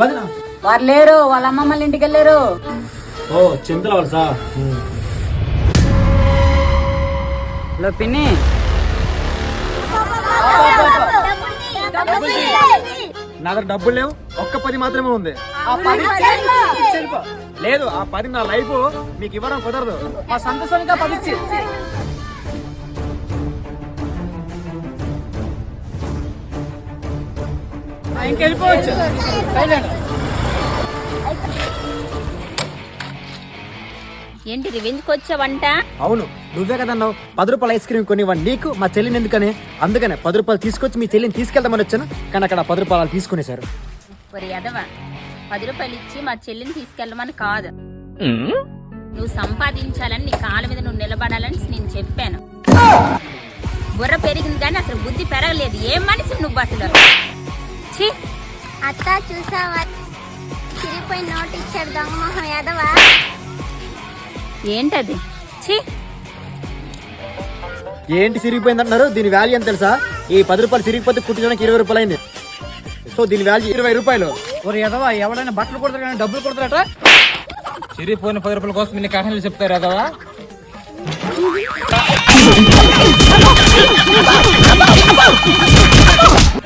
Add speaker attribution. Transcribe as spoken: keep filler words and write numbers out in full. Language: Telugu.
Speaker 1: వారు లేరు, వాళ్ళ అమ్మమ్మల ఇంటికి వెళ్ళారు.
Speaker 2: ఓ చింతల వలసా.
Speaker 1: హలో పిన్ని,
Speaker 2: నా దగ్గర డబ్బులు లేవు, ఒక్క పది మాత్రమే ఉంది. లేదు, ఆ పది నా లైఫ్ మీకు ఇవ్వడం కుదరదు.
Speaker 1: మా సంతోషంగా పదిచ్చి ఇంకెళ్ళిపోవచ్చు.
Speaker 3: ఏంటి రివెంజ్కి వచ్చావంట?
Speaker 2: అవును, నువ్వే కదన్నావు పది రూపాయల ఐస్ క్రీమ్ కొనివ్వండి నీకు మా చెల్లిని ఎందుకని. అందుకనే పది రూపాయలు తీసుకొచ్చి మీ చెల్లిని తీసుకెళ్దామని వచ్చాను, కానీ అక్కడ పది రూపాయలు తీసుకునేశారు.
Speaker 3: ఒరి ఎదవా, పది రూపాయలు ఇచ్చి మా చెల్లిని తీసుకెళ్ళమని కాదు, నువ్వు సంపాదించాలని, నీ కాళ్ళ మీద నువ్వు నిలబడాలని నేను చెప్పాను. బుర్ర పెరిగింది కానీ అసలు బుద్ధి పెరగలేదు. ఏం మనిషి నువ్వు అసలు. ఛీ,
Speaker 4: అత్త చూసావా, చిరిగిపోయి నోట్ ఇచ్చాడు దొంగ మొహం ఎదవా.
Speaker 3: ఏంటది? ఛీ,
Speaker 2: ఏంటి సిరిగిపోయింది అంటున్నారు? దీని వాల్యూ ఎంత తెలుసా? ఈ పది రూపాయలు సిరిగిపోతే కుట్టించడానికి ఇరవై రూపాయలు అయింది. సో దీని వాల్యూ ఇరవై రూపాయలు.
Speaker 1: ఎదవా, ఎవడైనా బట్టలు కొడతారు కానీ డబ్బులు కొడతారట.
Speaker 5: చిరిగిపోయిన పది రూపాయల కోసం ఇన్ని కహానీలు చెప్తారు ఎదవా.